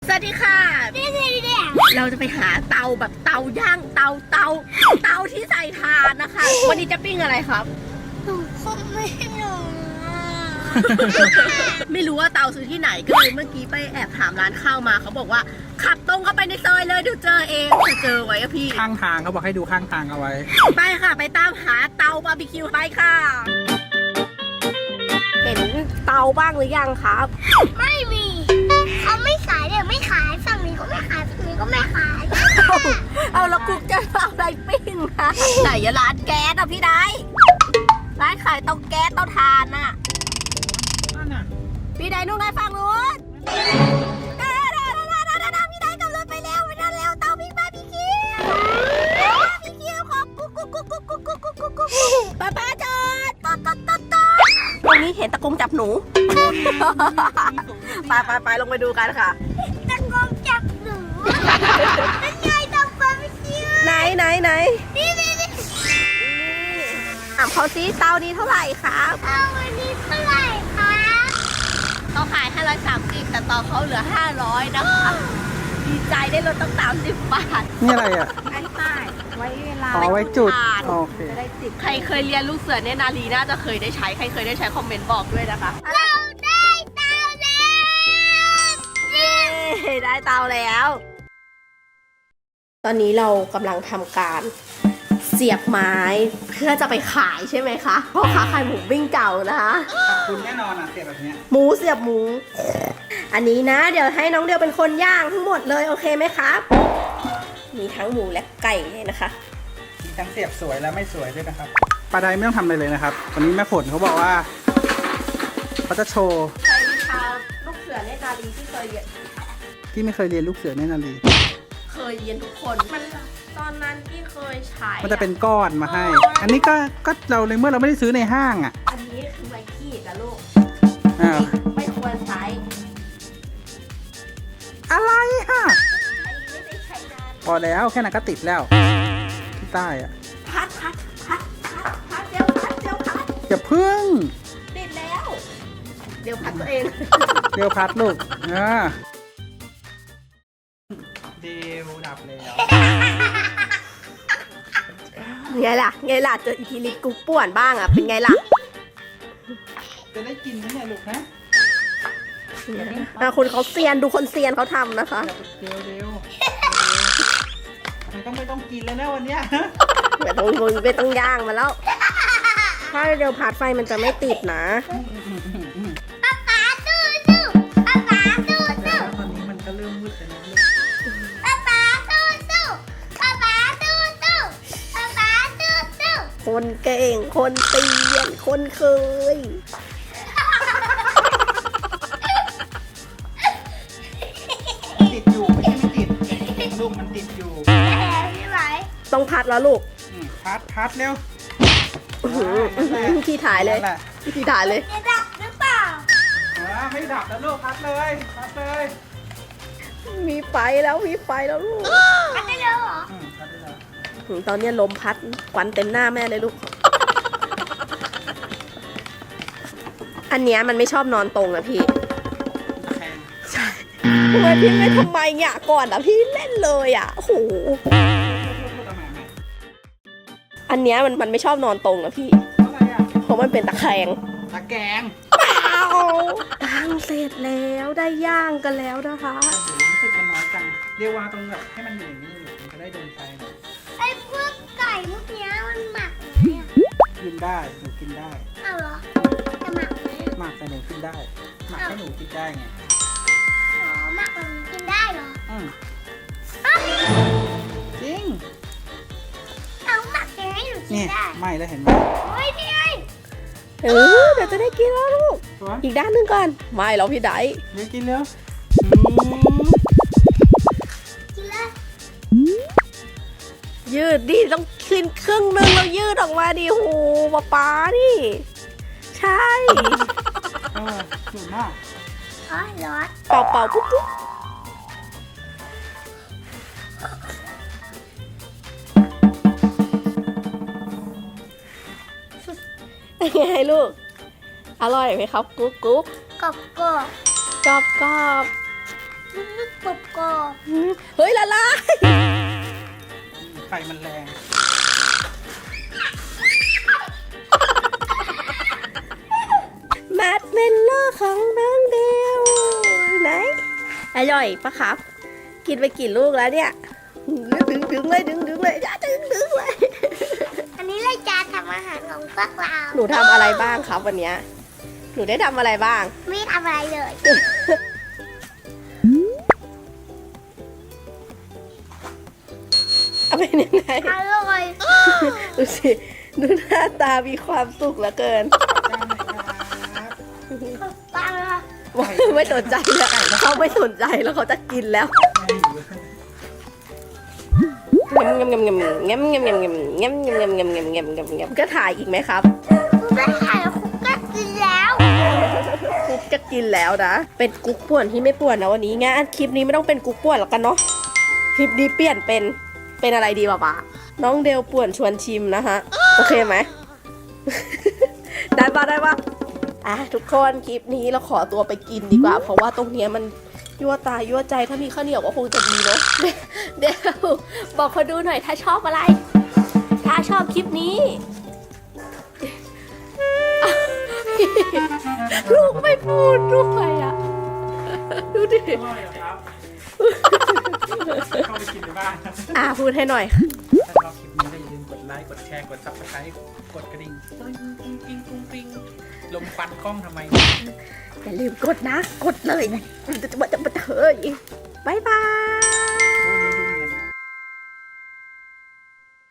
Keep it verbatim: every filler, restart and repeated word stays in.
สวัสดีค่ะเราจะไปหาเตาแบบเตาย่างเตาเตาเตาที่ใส่ถ่านนะคะวันนี้จะปิ้งอะไรครับหนูคงไม่รู้ไม่รู้ว่าเตาซื้อที่ไหนก็เลยเมื่อกี้ไปแอบถามร้านข้าวมาเขาบอกว่าขับตรงเข้าไปในซอยเลยเดี๋ยวเจอเองจะเจอไว้อะพี่ข้างทางเขาบอกให้ดูข้างทางเอาไว้ไปค่ะไปตามหาเตาบาร์บีคิวไปค่ะเห็นเตาบ้างหรือยังครับไม่มีเขาไม่ขายเดี๋ยวไม่ขายฝั่งนี้ก็ไม่ขายฝั่งนี้ก็ไม่ขายเอาแล้วกุ๊กจะเอาอะไรปิ้งนะไหนร้านแก๊สอะพี่ได้ร้านขายเตาแก๊สเตาถ่านน่ะพี่ได้นู่นไงฝั่งนู้นพี่ได้กำลังไปแล้วไปแล้วแล้วเตาปิ้งบาร์บีคิวบาร์บีคิวของกุ๊กกุ๊กกุ๊กกุ๊กกุ๊กกุ๊กกุ๊กกุ๊กกุ๊กป้าป้าจอดตอดตอดตอดตอดตรงนี้เห็นตะกงจับหนูไปไปไปลงไปดูกันค่ะตะกงจับหนูนั่นไงเตาบาร์บีคิวไหนไหนไหนนี่นี่นี่ถามเขาซิเตานี้เท่าไหร่ครับเอาวันนี้เท่าไหร่คะเขาขายห้าร้อยสามสิบแต่ตอนเขาเหลือห้าร้อยนะคะดีใจได้ลดตั้งสามสิบบาทนี่อะไรอ่ะไอ้ป้ายไว้เวลาอ๋อไว้จุดถ่านโอเคจะได้ติดใครเคยเรียนลูกเสือเนตรนารีน่าจะเคยได้ใช้ใครเคยได้ใช้คอมเมนต์บอกด้วยนะคะเราได้เตาแล้วเย้ได้เตาแล้ว ตอนนี้เรากำลังทำการเสียบไม้เพื่อจะไปขายใช่ไหมคะพ่อค้าขายหมูปิ้งเก่านะคะขอบคุณแน่นอนอ่ะเสียแบบเนี้ยหมูเสียบหมู อันนี้นะ เดี๋ยวให้น้องเดียวเป็นคนย่างทั้งหมดเลยโอเคไหมครับ มีทั้งหมูและไก่เลยนะคะมีทั้งเสียบสวยและไม่สวยด้วยนะครับปลาไดไม่ต้องทำอะไรเลยนะครับวันนี้แม่ฝนเขาบอกว่าเขาจะโชว์ใครทำลูกเสือเนตรนารีที่เคยเรียนที่ไม่เคยเรียนลูกเสือแน่นารีเคยเรียนทุกคนมันตอนนั้นที่เคยใช้มันจะเป็นก้อนมาให้ อันนี้ก็ก็เราในเมื่อเราไม่ได้ซื้อในห้างอ่ะอันนี้คือไม้ขีดนะลูกอ้าวไม่ควรใช้อะไรฮะอันนี้ไม่ได้ใช้นานพอแล้วแค่นั้นก็ติดแล้วที่ใต้อ่ะพัดพัดพัดพัดพัดเดี๋ยวพัดเดี๋ยวพัดอย่าพึ่งติดแล้ว เดี๋ยวพัดตัวเองเร็วพัดลูกอ่าเดวดับแล้วไงล่ะไงล่ะเจออีทีลิกุ๊กป่วนบ้างอ่ะเป็นไงล่ะจะได้กินไหมเนี่ยลูกนะอ่ะคุณเขาเซียนดูคนเซียนเขาทำนะคะเร็วเร็วมันต้องไม่ต้องกินแล้วนะวันเนี้ยไม่ต้องไม่ต้องย่างมาแล้ว ถ้าเดี๋ยวพัดไฟมันจะไม่ติดนะป๊าป๊าสู้สู้ป๊าป๊าสู้สู้ตอนนี้มันก็เริ่มมืดแล้วนะลูกป๊าป๊าสู้สู้ป๊าป๊าสู้สู้ป๊าป๊าสู้สู้คนเก่งคนเตียนคนเคยติดอยู่ไม่ใช่ไม่ติดลูกมันติดอยู่แอบพี่ไหวต้องต้องพัดแล้วลูกอืมพัดพัดเร็วอื้อหืออื้อหือที่ถ่ายเลยนั่นแหละที่ถ่ายเลยจะดับหรือเปล่าอ่าไม่ดับแล้วลูกพัดเลยพัดเลยมีไฟแล้วมีไฟแล้วลูกอันนี้เลยเหรออืมพัดได้แล้วอืมตอนนี้ลมพัดควันเต็มหน้าแม่เลยลูก อันเนี้ยมันไม่ชอบนอนตรงนะพี่แพงใช่ทำไมพี่ไม่ทำไมเนี่ยก่อนอ่ะพี่เล่นเลยอ่ะโอ้โหพูดทำไมไม่อันเนี้ยมันมันไม่ชอบนอนตรงนะพี่อะไรอ่ะเพราะมันเป็นตะแคงตะแกรงเอาตั้งเสร็จแล้วได้ย่างกันแล้วนะคะโอ้โหรู้สึกมันน้อยจังเรียกว่าตรงแบบให้มันอยู่อย่างนี้เลยมันจะได้โดนไฟหน่อยไอ้พวกไก่พวกเนี้ยมันหมักไหมอ่ะกินได้หนูกินได้เอาเหรอจะหมักไหมหมักแต่หนูกินได้หมักให้หนูกินได้ไงอ๋อหมักแบบนี้กินได้เหรออืมอ้าวจริงเอาหมักยังไงหนูกินนี่ได้ไหม่แล้วเห็นไหมโอ้ยนี่ไงเออเดี๋ยวจะได้กินแล้วลูกตัวอีกด้านหนึงก่อนไม่หรอกพี่ไดเดี๋ยวกินแล้วกินเลยยืดดิต้องขึ้นครึ่งหนึงแล้วยืดออกมาดิโหป๊าป๊านี่ ใช่เออสุดมากอ๋อร้อนเป่าเป่าปุ๊บปุ๊บเป็นไงลูก อร่อยไหมครับกุ๊กกุ๊กกรอบกรอบกรอบกรอบกรอบกรอบอืมเฮ้ยละลายไฟมันแรงแมทเมลเลอร์ของน้องเดวไหนอร่อยปะครับ กินไปกี่ลูกแล้วเนี่ยดึงดึงเลยดึงดึงเลยอย่าดึงดึงเลยอันนี้รายการทำอาหารของพวกเราหนูทำอะไรบ้างครับวันเนี้ยหนูได้ทำอะไรบ้างไม่ทำอะไรเลยเอาเป็นยังไงอร่อยดูสิดูหน้าตามีความสุขเหลือเกินปังอะไม่สนใจแล้วเขาไม่สนใจแล้วเขาจะกินแล้วเงมเงมเงมเงมเงมเงมเงมเงมเงมเงมเงมเงมเงมเงมเงมก็ถ่ายอีกไหมครับไม่ใช่คุกก็กินแล้วกุ๊กจะกินแล้วนะเป็นกุ๊กป่วนที่ไม่ป่วนนะวันนี้งั้นคลิปนี้ไม่ต้องเป็นกุ๊กป่วนแล้วกันเนาะคลิปนี้เปลี่ยนเป็นเป็นอะไรดีป่ะป๊าน้องเดลป่วนชวนชิมนะฮะโอเคไหม ได้ปะได้ปะอ่ะทุกคนคลิปนี้เราขอตัวไปกินดีกว่า เพราะว่าตรงเนี้ยมันยั่วตายั่วใจถ้ามีข้าวเหนียวก็คงจะดีเนาะ เดี๋ยวบอกเขาดูหน่อยถ้าชอบอะไร ถ้าชอบคลิปนี้ ลูกไม่พูดด้วยอ่ะ ดูดิอร่อยเหรอครับ เข้าไปกินในบ้านครับอ่ะพูดให้หน่อยถ้าชอบคลิปนี้ก็อย่าลืมกดไลค์ กดแชร์ กดซับสไครต์กดกระดิ่งกริ๊งกริ๊งกริ๊งกริ๊งกริ๊งลมควันกล้องทำไมอย่าลืมกดนะ กดเลยจะจะจะเถยบายบาย